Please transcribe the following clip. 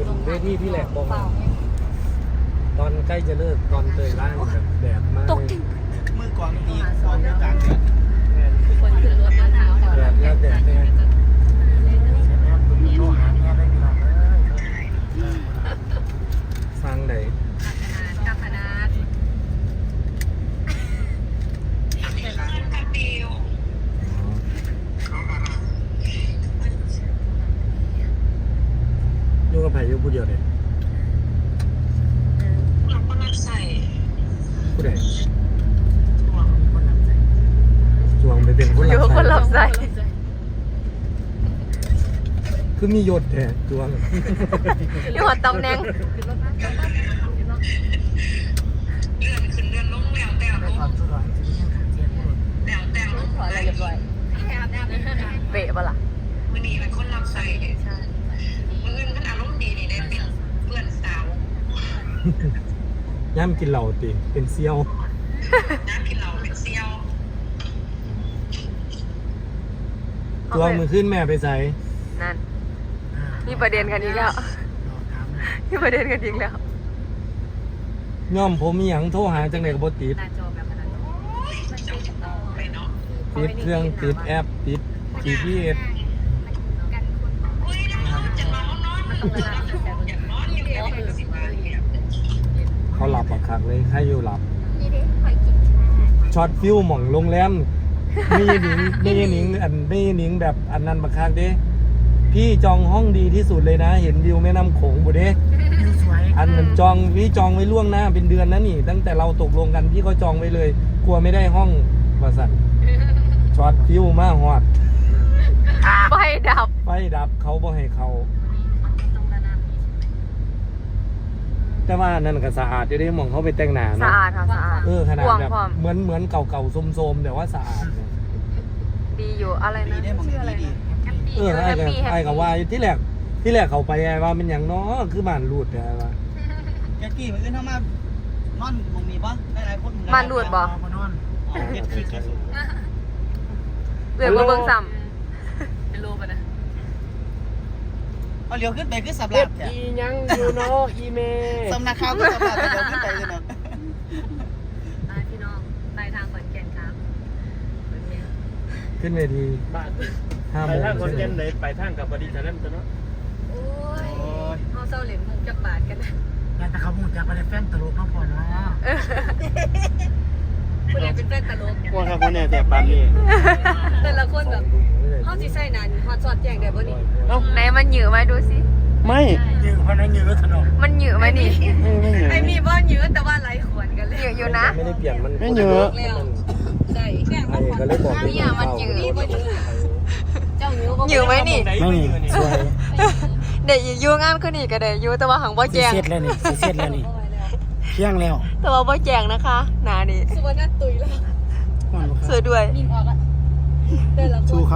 เวทีที่แหลกบอกตอนใกล้จะเลิกตอนเตยล่างแบบแดดมากมือกวางตีกวางกลางแดดคนขึ้นรถมาเท้าแดดแล้วแดดเนี่ยฟังไหนกับคณะยุ่งกับไผ่ยุ่งผู้เดียวเลยเราก็รับใส่ผู้ใดห่วงคนรับใส่จวงไปเป็นคนอยู่คนรับใส่คือมียศแท้จวงอยู่หัวตำแหน่งเลื่อนขึ้นเลื่อนลงแล้วแต่ลงแล้วแต่ลงขออะไรเรียบร้อยเป๊ะปะล่ะมือนี่เป็นคนรับใส่มืออื่นมันอารมณ์ดีนี่ได้เป็นเพื่อนสาวย่ำกินเหล่าติเป็นเซี่ยวน้ำกินเหล้าเป็นเซี่ยวจวงมือขึ้นแม่ไปใส่นั่นมีประเด็นกันอีกแล้วมีประเด็นกันอีกแล้วย่อมผมมีหยังโทรหาจังไหนกับบติดหน้าจอแบบขนาดนั้นเจ้าไปเนาะติดเครื่องติดแอปติด GPS อุ้ยน้องจะนอนนอนอยากนอนอยู่แล้วเป็นสิบวันเนี่ยเขาหลับบักคักเลยใครอยู่หลับช็อตฟิวหม่องโรงแรมมีหนิงแบบอันนั้นบักคักเด้พี่จองห้องดีที่สุดเลยนะ เห็นวิวแม่น้ำโขงบุเด้อันนั้นพี่จองไว้ล่วงหน้าเป็นเดือนนะนี่ ตั้งแต่เราตกลงกันพี่ก็จองไว้เลย กลัวไม่ได้ห้องว่าสั่นช็อตฟิวมาฮอดไฟดับไฟดับเขาบ่ให้เขาแต่ว่านั่นก็สะอาดอยู่เด้หม่องเขาไปแต่งหน้าสะเนาะอาดค่ะสะอาดขนาดกว้างแบบพร้อมเหมือนเก่าๆโซมๆแต่ว่าสะอาดเนี่ยดีอยู่อะไรดีนะได้มองชื่ออะไรดีนะไอ้กับว่าที่แรกเขาไปไอ้ว่าเป็นอย่างน้อคือบ้านรูดไอ้ว่าแกกี้มืออื่นเข้ามานอนมองมีปะได้หลายคนบ้านดูดบ่นอนเก็บคือสุดเดี๋ยวมาเบิ่งซ้เอาเลี้ยวขึ้นไปคือสับหเฮ็ลัดบเนี่ยอีหยังอยู่เนาะอีเมสำนักข่าวก็สับหลับเลี้ยวขึ้นไปเลยเนาะำพี่น้องปลายทางขอนแก่นครับขึ้นเวทีบ้าน 5 ไปโมงทางคนเย็นเลยไปทางกับบดีแต่นั้นตัวเนาะโอ้ยเอาเศร้าเหรียญมุกจักบาทกันนะงานตะเขาหมุนจากไปแฟนตลกน้องพอเนาะคุณยายเป็นแฟนตลกว่าครับคนเนี่ยแต่ปานนี้แต่ละคนแบบเขาสิใส่นานฮอตซอดแจงได้บ่นี่เอ้าไหนมันหยือไหมดูสิไม่ยืนเพราะนั้นยืนรถถนนมันหยือไหมนี่ไม่เหนื่อยไอ้มีบ่หยือแต่ว่าไหลขวนกันเลยหยืออยู่นะไม่ได้เปลี่ยนมันไม่เยอะใช่ไอ้ก็เลยบอกเนี่ยมันหยือเจ้าหยือหยือไหมนี่ไม่มีสวยเดี๋ยวอยู่งานขึ้นอีกก็ได้อยู่แต่ว่าหังบ่แจงเสร็จแล้วนี่เสร็จแล้วนี่เที่ยงแล้วแต่ว่าบ่แจงนะคะหนานี่สุวรรณตุยแล้วสวยด้วยสู้เขา